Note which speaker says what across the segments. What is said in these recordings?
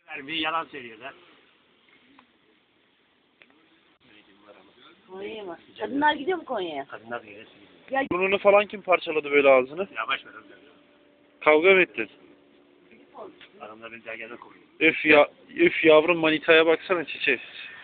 Speaker 1: Bir yalan söylüyorlar.
Speaker 2: Konya'ya mı? Kadınlar gidiyor mu Konya'ya?
Speaker 1: Kadınlar diye söylüyor.
Speaker 2: Ya
Speaker 3: Burnunu falan kim parçaladı böyle ağzını?
Speaker 1: Yavaş ver.
Speaker 3: Kavga mı ettin?
Speaker 1: Adamlar beni dergâda koruyor.
Speaker 3: Üf yavrum manitaya baksana çiçeği.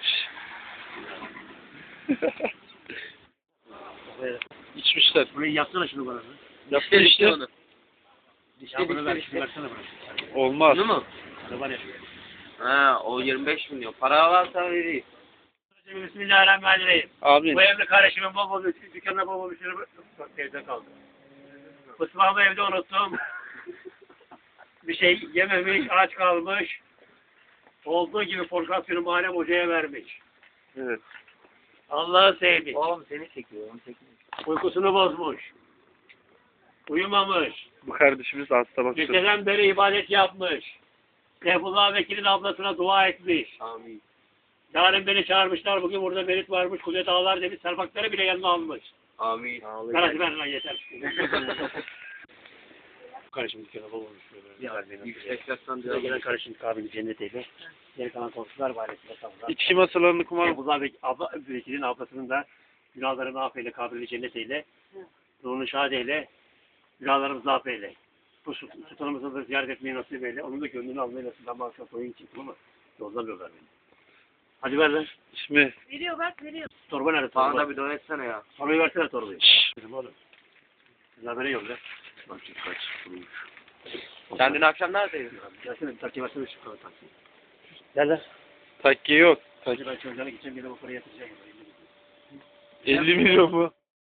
Speaker 3: İçmişler.
Speaker 1: Burayı yapsana şunu bana.
Speaker 3: Yaptı işte.
Speaker 1: Ya bunu ver, şunu versene bana.
Speaker 3: Olmaz.
Speaker 4: Bunu mu?
Speaker 1: Ne var ya şuraya.
Speaker 4: Ha, o 25 milyon. Para varsa vereyim.
Speaker 1: Bismillahirrahmanirrahim.
Speaker 3: Amin.
Speaker 1: Bu evde kardeşimin bol bol dükkanına bol bol bir şeyler evde kaldı. Mutfağımı evde unuttum. Bir şey yememiş, aç kalmış. Olduğu gibi forkasyonu Muharrem Hoca'ya vermiş.
Speaker 3: Evet.
Speaker 1: Allah'ı sevmiş.
Speaker 4: Oğlum seni çekiyor. Onu çekiyor.
Speaker 1: Uykusunu bozmuş. Uyumamış.
Speaker 3: Bu kardeşimiz hasta bak.
Speaker 1: Geceden beri ibadet yapmış. Seyfullah Vekil'in ablasına dua etmiş.
Speaker 4: Amin.
Speaker 1: Yarın beni çağırmışlar. Bugün burada Merit varmış. Kudret Ağlar demiş. Serpakları bile yanına almış.
Speaker 4: Amin.
Speaker 1: Kardeşim ver lan yeter. Kardeşim dükkana bol olmuş.
Speaker 4: Yüksek yatsan
Speaker 1: Bize gelen kardeşim kabili cennetiyle. Geri kalan komşular varesiyle savunlar.
Speaker 3: İçki masalarını kumar.
Speaker 1: Seyfullah Vekil'in ablasının da günahlarını affeyle, kabili cennetiyle. Ruhunu şad eyle. Günahlarımızı affeyle. Bu sultanımızı da ziyaret etmeyi nasip eyle. Onun da gönlünü almayı nasip. Ben akşam koyun çıktım ama yollamıyorlar beni. Hadi ver lan.
Speaker 3: İsmi.
Speaker 2: veriyor bak veriyor.
Speaker 1: Torba nerede
Speaker 4: Bana
Speaker 1: torba?
Speaker 4: da bir dua etsene ya.
Speaker 1: Torbayı versene torbayı. Dedim oğlum. Habere yolla. Bak şimdi kaç.
Speaker 4: Sen dün akşam neredeydin?
Speaker 1: Gelsene bir takip versene şu kadar taksi. Gel lan.
Speaker 3: Takke yok.
Speaker 1: Hadi ben çocuğuna gideceğim. Gene bu parayı yatıracağım.
Speaker 3: 50 milyon mu?